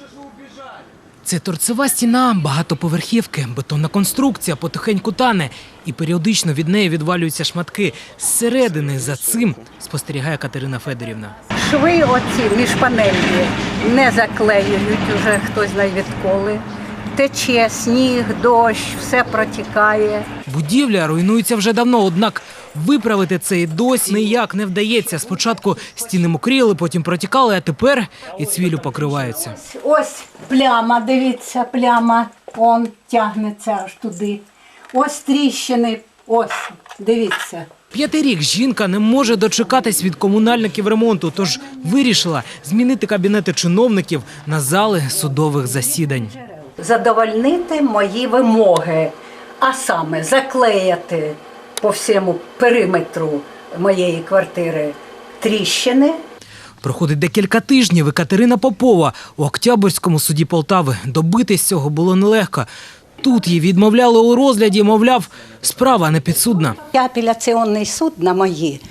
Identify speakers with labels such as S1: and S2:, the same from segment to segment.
S1: Це торцева стіна багатоповерхівки, бетонна конструкція потихеньку тане і періодично від неї відвалюються шматки. Зсередини за цим спостерігає Катерина Федорівна.
S2: Шви оці міжпанельні не заклеюють уже хтось знає відколи. Тече сніг, дощ, все протікає.
S1: Будівля руйнується вже давно, однак виправити це і досі ніяк не вдається. Спочатку стіни мокріли, потім протікали, а тепер і цвіллю покриваються.
S2: Ось пляма, дивіться, пляма, он тягнеться аж туди. Ось тріщини, ось, дивіться.
S1: 5-й рік жінка не може дочекатись від комунальників ремонту, тож вирішила змінити кабінети чиновників на зали судових засідань.
S2: Задовольнити мої вимоги, а саме заклеїти по всьому периметру моєї квартири тріщини.
S1: Проходить декілька тижнів, і Катерина Попова у Октябрьському суді Полтави. Добитись цього було нелегко. Тут їй відмовляли у розгляді, мовляв, справа не підсудна.
S2: Апелляционный суд на мои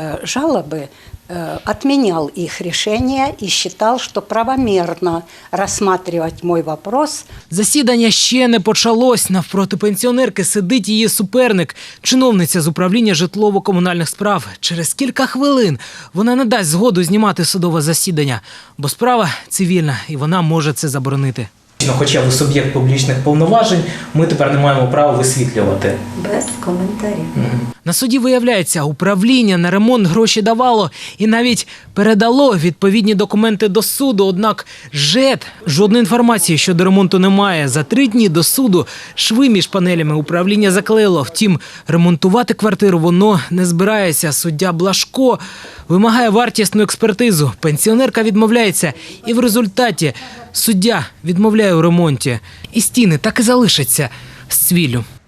S2: жалобы отменял их решение и считал, что правомерно рассматривать мой вопрос.
S1: Засідання ще не почалось. Навпроти пенсіонерки сидить її суперник, чиновниця з управління житлово-комунальних справ. Через кілька хвилин вона не дасть згоду знімати судове засідання, бо справа цивільна і вона може це заборонити. Хоча ви суб'єкт публічних повноважень, ми тепер не маємо права висвітлювати.
S2: Без коментарів.
S1: На суді, виявляється, управління на ремонт гроші давало і навіть передало відповідні документи до суду. Однак ЖЕД жодної інформації щодо ремонту немає. За 3 дні до суду шви між панелями управління заклеїло. Втім, ремонтувати квартиру воно не збирається. Суддя Блажко вимагає вартісну експертизу. Пенсіонерка відмовляється. І в результаті суддя відмовляє у ремонті. І стіни так і залишаться з цвіллю.